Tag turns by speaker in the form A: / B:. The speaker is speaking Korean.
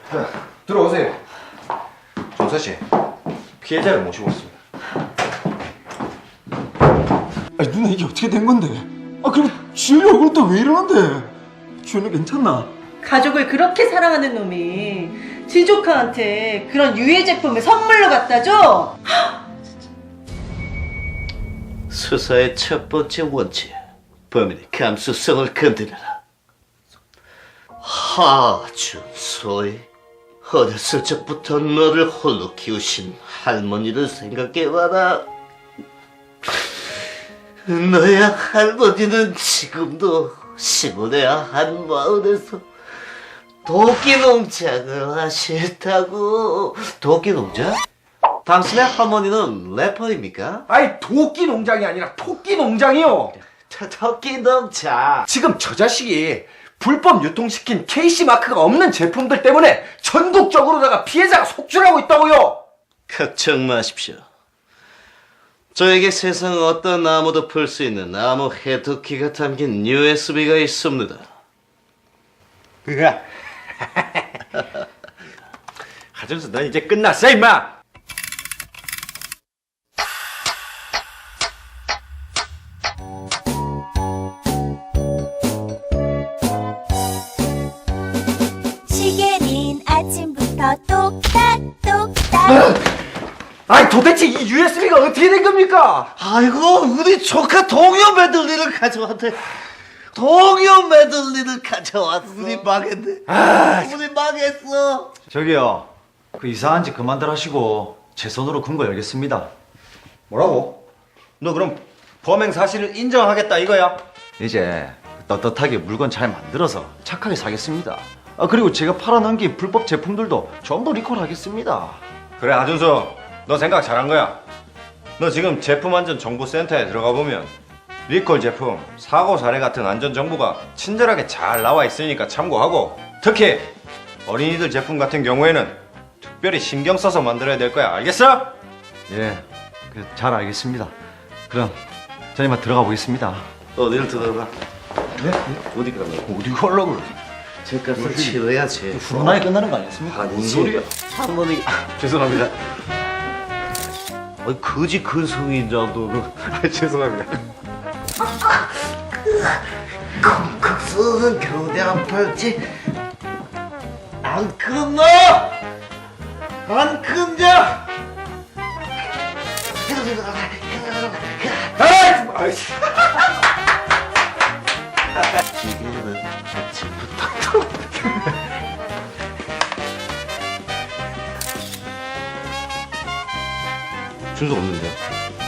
A: 들어오세요. 정서씨, 피해자를 모시고 왔습니다.
B: 아니 누나 이게 어떻게 된 건데? 아 그리고 지율이 얼굴 또 왜 이러는데? 지율이 괜찮나?
C: 가족을 그렇게 사랑하는 놈이 지 조카한테 그런 유해 제품을 선물로 갖다 줘?
D: 수사의 첫 번째 원칙, 범인의 감수성을 건드려라. 하준소의 어렸을 적부터 너를 홀로 키우신 할머니를 생각해봐라. 너의 할머니는 지금도 시골의 한 마을에서 도끼 농장을 하셨다고. 도끼 농장? 당신의 할머니는 래퍼입니까?
A: 아니, 도끼 농장이 아니라 토끼 농장이요.
D: 토끼 농장.
A: 지금 저 자식이 불법 유통시킨 KC 마크가 없는 제품들 때문에 전국적으로다가 피해자가 속출하고 있다고요.
D: 걱정 마십시오. 저에게 세상 어떤 나무도 풀 수 있는 나무 해독기가 담긴 USB가 있습니다.
A: 그가 하준수, 넌 이제 끝났어 임마.
E: 시계는 아침부터 똑딱똑딱.
A: 아니, 도대체 이 USB가 어떻게 된 겁니까?
D: 아이고, 우리 조카 동요 메들리를 가져왔대. 동요 메들리를 가져왔어. 우리 망했네. 우리 망했어.
B: 저기요 그 이상한 짓 그만들 하시고 제 손으로 근거 열겠습니다.
A: 뭐라고? 너 그럼 범행 사실을 인정하겠다 이거야?
B: 이제 떳떳하게 물건 잘 만들어서 착하게 사겠습니다. 아 그리고 제가 팔아넘긴 불법 제품들도 전부 리콜하겠습니다.
A: 그래, 하준수, 너 생각 잘한 거야. 너 지금 제품 안전 정보센터에 들어가 보면 리콜 제품, 사고 사례 같은 안전 정보가 친절하게 잘 나와 있으니까 참고하고, 특히 어린이들 제품 같은 경우에는 특별히 신경 써서 만들어야 될 거야. 알겠어?
B: 예, 잘 알겠습니다. 그럼 저 이만 들어가 보겠습니다.
D: 어디를 들어가?
B: 네?
D: 어디 가면?
B: 어디 가려고 그래?
D: 제값을 치러야지.
B: 후run하게 끝나는 거 아니었습니까?
D: 뭔 소리야? 할머니.
A: 죄송합니다.
D: 아이, 거지 근성인 줄 알고.
A: 죄송합니다.
D: 콩콩 쏘는 거대한 팔찌 안 끊어! 안 끊냐!
A: 아이씨.
D: 이게는 아침부터 준수 없는데?